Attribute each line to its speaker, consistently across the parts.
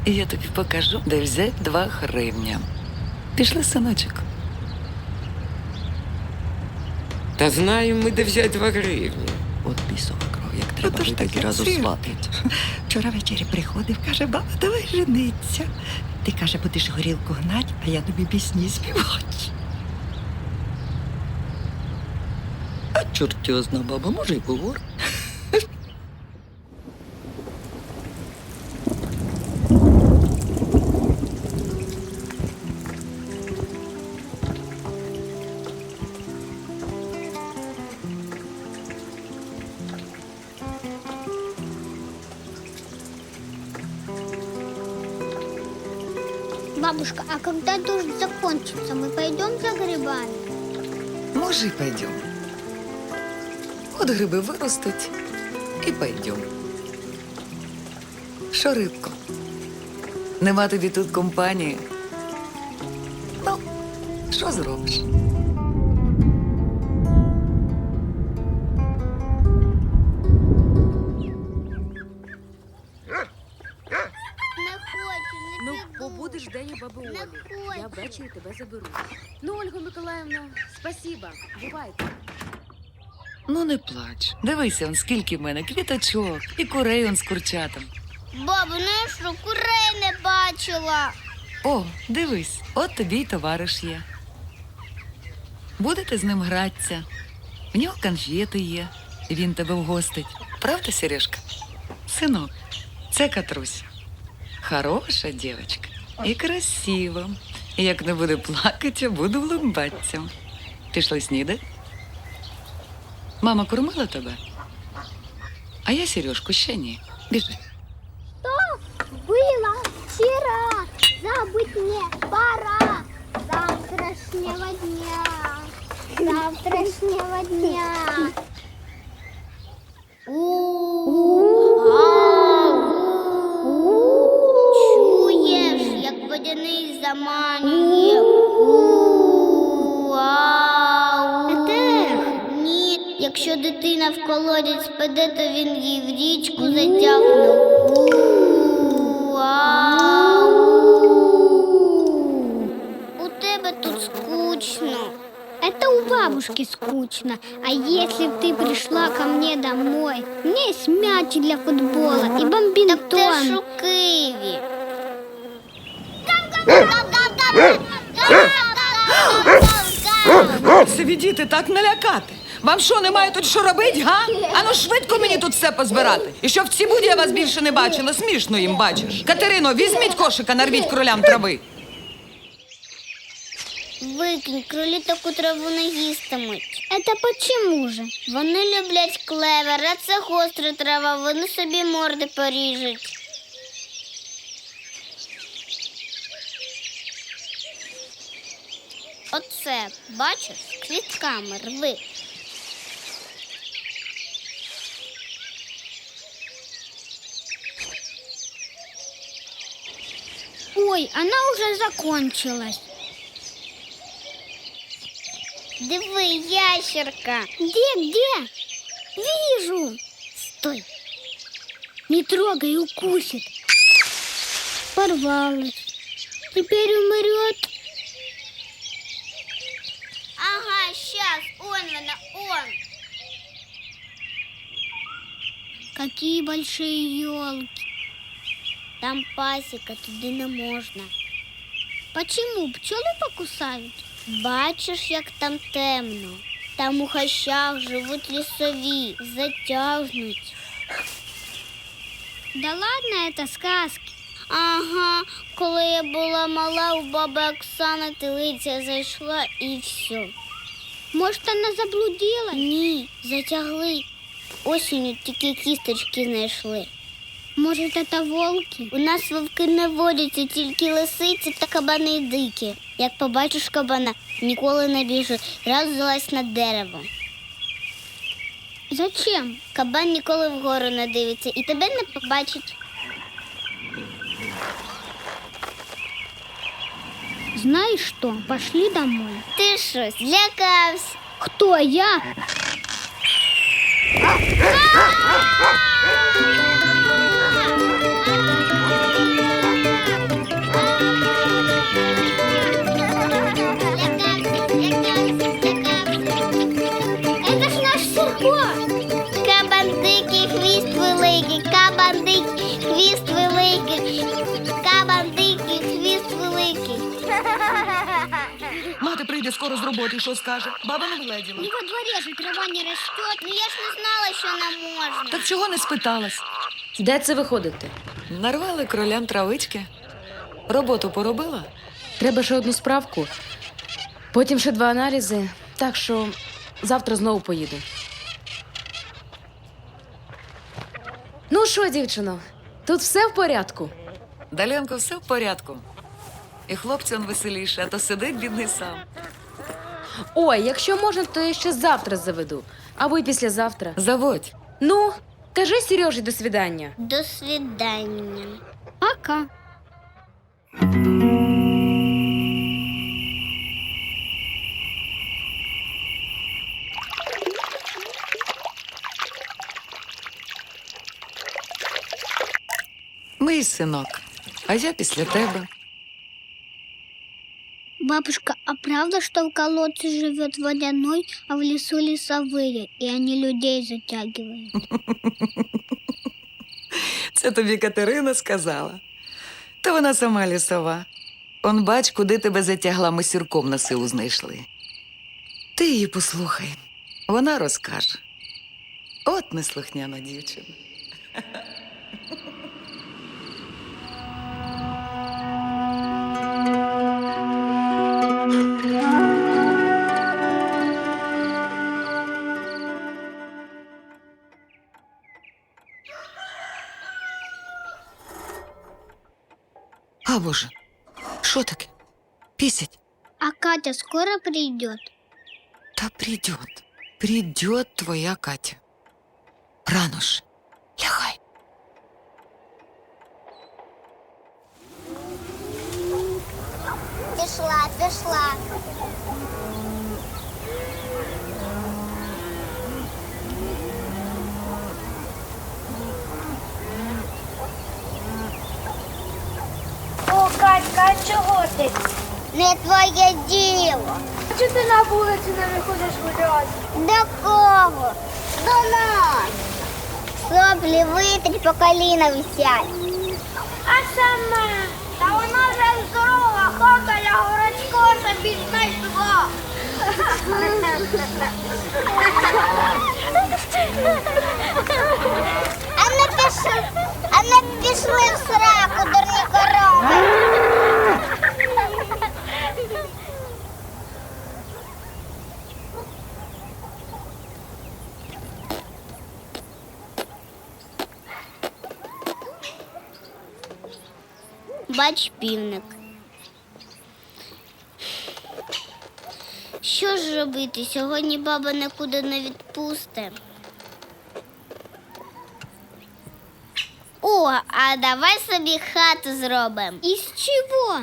Speaker 1: І я тобі покажу, де взяти 2 гривня. Пішли, синочок.
Speaker 2: Та знаємо ми, де взяти 2 гривні.
Speaker 1: От бісова кров, як треба
Speaker 3: Отож
Speaker 1: жити,
Speaker 3: таки
Speaker 1: разу
Speaker 3: син.
Speaker 1: сватить.
Speaker 3: Вчора ввечері приходив, каже, баба, давай жениться. Ти, каже, будеш горілку гнать, а я тобі пісні співати.
Speaker 1: А чортьозна баба, може, й повор.
Speaker 4: Бабушка, а когда дождь закончится, мы пойдем за грибами?
Speaker 1: Може, й пойдем. От гриби виростуть і пойдем. Що, рибко? Нема тобі тут компанії? Ну, що зробиш?
Speaker 4: Не хочу, не
Speaker 5: Ну,
Speaker 4: піду.
Speaker 5: побудеш день у баби
Speaker 4: Не
Speaker 5: Олі. Я
Speaker 4: хочу.
Speaker 5: ввечері тебе заберу. Ну, Ольга Миколаївна, спасіба. Бувайте.
Speaker 1: Ну, не плач. Дивися, он скільки в мене квіточок і курей он з курчатом.
Speaker 4: Бабу, ну я що, курей не бачила.
Speaker 1: О, дивись, от тобі й товариш є. Будете з ним гратися. В нього конфети є, і він тебе вгостить. Правда, Сережка? Синок, це Катруся. Хороша дівчинка і красива. І як не буде плакати, буду влюбатися. Пішли снідати? Мама кормила тебе? А я Сережку ще ні. Біжи.
Speaker 4: Было вчера, забыть мне пора. Завтрашнего дня, завтрашнего дня. Чуєш, як водяний заманює. Ні, якщо дитина в колодязь спаде, то він її в річку затягне. У тебе тут скучно.
Speaker 6: Это у бабушки скучно. А если б ты пришла ко мне домой? У меня есть мяч для футбола и
Speaker 4: Так
Speaker 6: бомбинтон.
Speaker 4: ти ж у Києві.
Speaker 7: Собі діти так налякати. Вам що, немає тут що робити, га? Ану швидко мені тут все позбирати. І щоб в цій буді я вас більше не бачила, смішно їм бачиш. Катерино, візьміть кошика, нарвіть кролям трави.
Speaker 4: Викинь, кролі таку траву не їстимуть.
Speaker 6: Это почему же?
Speaker 4: Вони люблять клевер, а це гостра трава, вони собі морди поріжуть. Оце, бачиш, з квітками рви.
Speaker 6: Ой, она уже закончилась.
Speaker 4: Диви, ящерка.
Speaker 6: Где? Вижу.
Speaker 4: Стой.
Speaker 6: Не трогай, укусит. Порвалась. Теперь умрет.
Speaker 4: Ага, щас, он вона, он.
Speaker 6: Какие большие елки.
Speaker 4: Там пасіка, туди не можна.
Speaker 6: Почему? Пчелы покусают?
Speaker 4: Бачиш, як там темно. Там у хащах живуть лісові, затягнуть.
Speaker 6: Да ладно, это сказки.
Speaker 4: Ага, коли я була мала, у баби Оксани телиця зайшла і все.
Speaker 6: Может, она заблудилась?
Speaker 4: Ні, затягли. Осінню тільки кісточки знайшли.
Speaker 6: Может, это волки?
Speaker 4: У нас вовки не водяться, тільки лисиці та кабани дикі. Як побачиш кабана, ніколи не біжи, раз залазь на дерево.
Speaker 6: Зачем?
Speaker 4: Кабан ніколи вгору не дивиться і тебе не побачить.
Speaker 6: Знаешь что? Пошли домой.
Speaker 4: Ти що, злякався?
Speaker 6: Кто я?
Speaker 7: прийде скоро з роботи, що скаже? Баба не вледіла.
Speaker 6: И во дворе же трава не растет.
Speaker 4: Ну я ж не знала, що нам можна.
Speaker 7: Так чого не спиталась?
Speaker 5: Де це ви ходите?
Speaker 1: Нарвали кролям травички. Роботу поробила?
Speaker 5: Треба ще одну справку, потім ще 2 аналізи, так що завтра знову поїду. Ну що, дівчино, тут все в порядку?
Speaker 1: Даленко, все в порядку. І хлопцю он веселіше, а то сидить бідний сам.
Speaker 5: Ой, якщо можна, то я ще завтра заведу. Або й післязавтра.
Speaker 1: Заводь.
Speaker 5: Ну, кажи Сережі до свидання.
Speaker 4: До свидання.
Speaker 6: Пока.
Speaker 1: Мій синок, а я після тебе.
Speaker 6: Бабушка, а правда, что в колодце живет водяной, а в лесу лесовые, и они людей затягивают?
Speaker 1: Це тобі Катерина сказала. Та вона сама лісова. Он бач, куди тебе затягла, ми сірком на силу знайшли. Ти її послухай, вона розкаже. От неслухняна дівчина. А, Боже, що таке? Пісять?
Speaker 6: А Катя скоро придет?
Speaker 1: Та придет твоя Катя. Рано ж, лягай.
Speaker 4: Пішла.
Speaker 6: О, Катька, а чого ти?
Speaker 4: Не твоє діло.
Speaker 6: Чого ти на вулиці не виходиш гуляти?
Speaker 4: До кого? До нас. Соплі витрі по коліна висять.
Speaker 6: А сама? Та вона вже здорова, хата я городського собі знайшла.
Speaker 4: А не пішли в сраку, дурні корови. Бач, півник. Що ж робити? Сьогодні баба нікуди не відпусте. О, а давай собі хату зробимо.
Speaker 6: Із чого?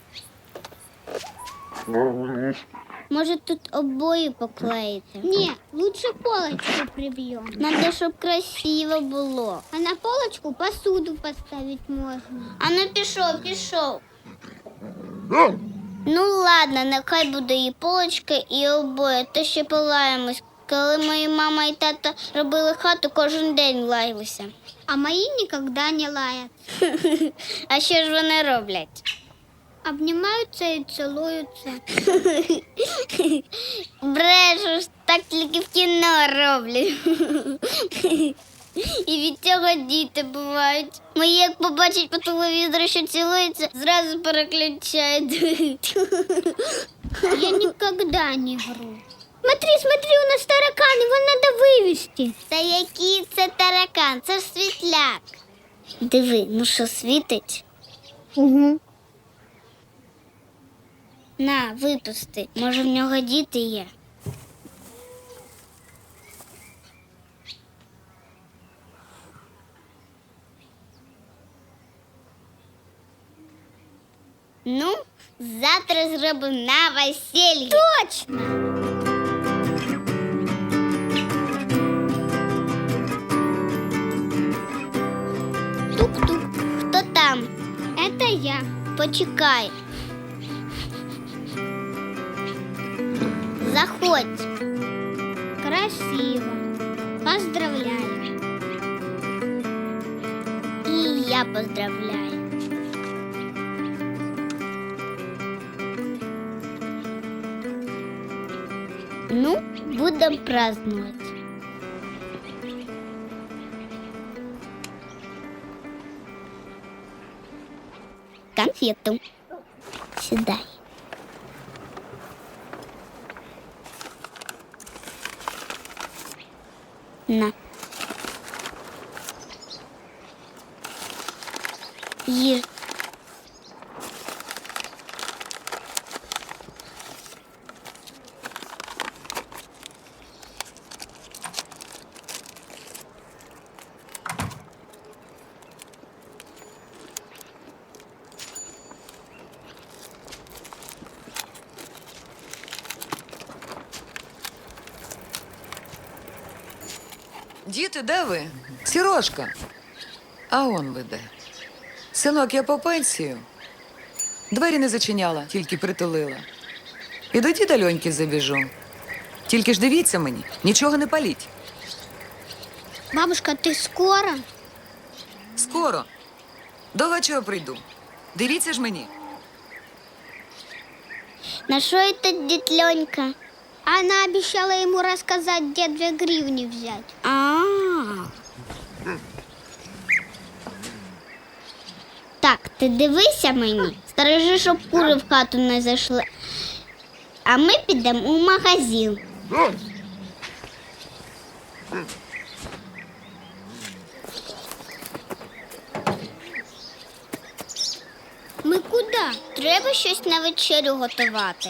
Speaker 4: Може, тут обої поклеїти?
Speaker 6: Не, лучше полочку прибьем.
Speaker 4: Надо, щоб красиво було.
Speaker 6: А на полочку посуду поставить можно.
Speaker 4: А ну пішов. Ну ладно, нехай буде і полочка, і обоє, то ще полаємось. Коли мої мама і тато робили хату, кожен день лаялися.
Speaker 6: А мои никогда не лают.
Speaker 4: А що ж вони роблять?
Speaker 6: Обнимаются и целуются.
Speaker 4: Брешеш, так тільки в кіно роблять. І від цього діти бувають. Мої, як побачать по телевізору, що цілуються, зразу переключають.
Speaker 6: Я никогда не вру. Смотри, у нас таракан, его надо вывести.
Speaker 4: Та який це таракан? Це ж світляк. Диви, ну що світить?
Speaker 6: Угу.
Speaker 4: На, випусти. Може, в нього діти є. Ну, завтра зробимо на весіллі.
Speaker 6: Точно!
Speaker 4: Тук-тук. Хто там?
Speaker 6: Это я.
Speaker 4: Почекай. Заходь.
Speaker 6: Красиво. Поздравляю.
Speaker 4: І я поздравляю. Ну, будем праздновать. Конфету. Сюда. На. Ешь.
Speaker 1: Діти, де ви? Сірошка. А он ви де. Синок, я по пенсію. Двері не зачиняла, тільки притулила. І до діда Льоньки забіжу. Тільки ж дивіться мені, нічого не паліть.
Speaker 6: Бабушка, ты скоро?
Speaker 1: Скоро. До вечора прийду. Дивіться ж мені.
Speaker 4: На что это дед Ленька?
Speaker 6: Она обещала ему рассказать, где 2 гривни взять.
Speaker 4: Так, ти дивися мені. Стережи, щоб кури в хату не зайшли. А ми підемо у магазин.
Speaker 6: Мы куда?
Speaker 4: Треба щось на вечерю готувати.